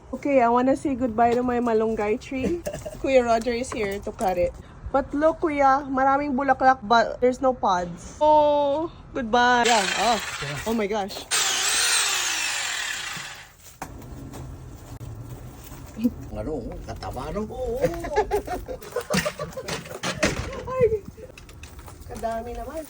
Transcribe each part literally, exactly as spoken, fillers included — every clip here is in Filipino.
Okay, I wanna say goodbye to my malunggay tree. Kuya Roger is here to cut it. But look, Kuya, maraming bulaklak but there's no pods. Oh, goodbye. Yeah, oh, oh my gosh. Ano, kataba no? Oo. Ay, kadami naman.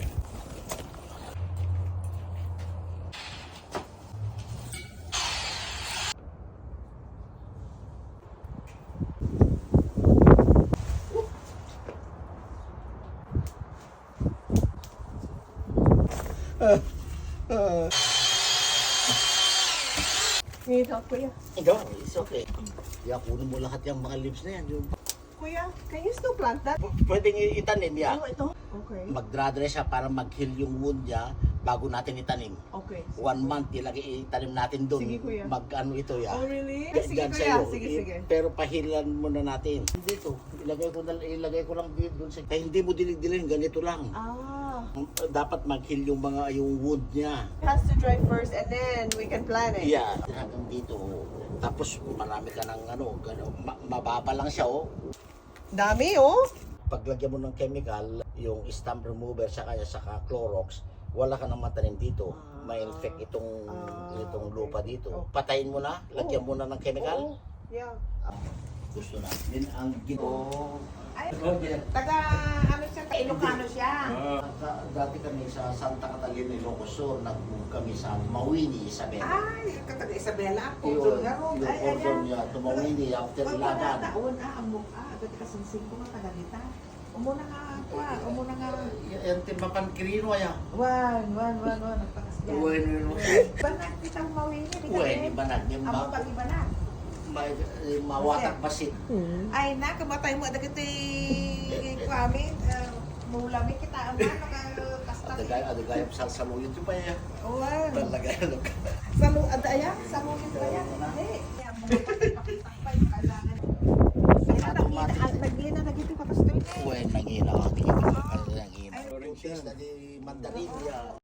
Need help, Kuya? Ikaw, it's okay. Kaya kunin mo lahat yung mga leaves na yan. Yung... Kuya, can you still plant that? P- Pwedeng i- itanim yan. Ano ito? Okay. Magdra-dry siya para mag-heal yung wound niya bago natin itanim. Okay. One month, ilagay itanim natin doon. Sige, Kuya. Mag-ano ito ya. Oh, really? Di- Sige, dyan Kuya. sa'yo. Sige, I- sige. Pero pahilan muna natin. Dito, ilagay ko, na, ilagay ko lang dito doon sa... Kaya hindi mo dilig-dilig, ganito lang. Ah. Dapat mag-heal yung mga yung wound niya. It has to dry first and then we can plant it. Yeah, hanggang dito. Tapos marami ka ng ano, gano, ma- mababa lang siya oh. Dami, oh. Paglagyan mo ng chemical, yung stump remover saka saka Clorox, wala ka nang matanim dito. Ma-infect itong Ah, itong okay. lupa dito. Oh. Patayin mo na, lagyan Oh. mo na ng chemical. Oo. Yeah. Gusto na. Din ang gito. Ay, taga ano siya, Ilocano siya. Dati kami sa Santa Catalina, Ilocos Sur, nag-move kami sa Mawini, Isabela. Ay, kataga Isabela, Yung, Pudol nga ron. yung Ay, cordon ayan. niya, tumawini after Pag lagan. taon, ah, ang mukha, agad kasansing ko nga taga-dita. Umuna nga, kwa, umuna nga. Yung timbapan kirino ya. Wan, wan, wan, wan, nagpakasyan. Uwen, Banak, kita mawini, di uwen, kami. iba na. Yung Amo ma- pag iba na. ma- mawatak basit. Ay na, kamatay mo, agad iti kwami, mulami kita, ang ano, kasta. Adagay, adagay, salsaluyot yung pa ya. Wan. Talaga, ano ka. Samu, adaya, samu kita yan. Hindi. Kaya mo, pakita pa yung kailangan. Naglina na gito ka pastoy. Uwen, nangina. Nangina. Nangina. Orange na di mandarin ya.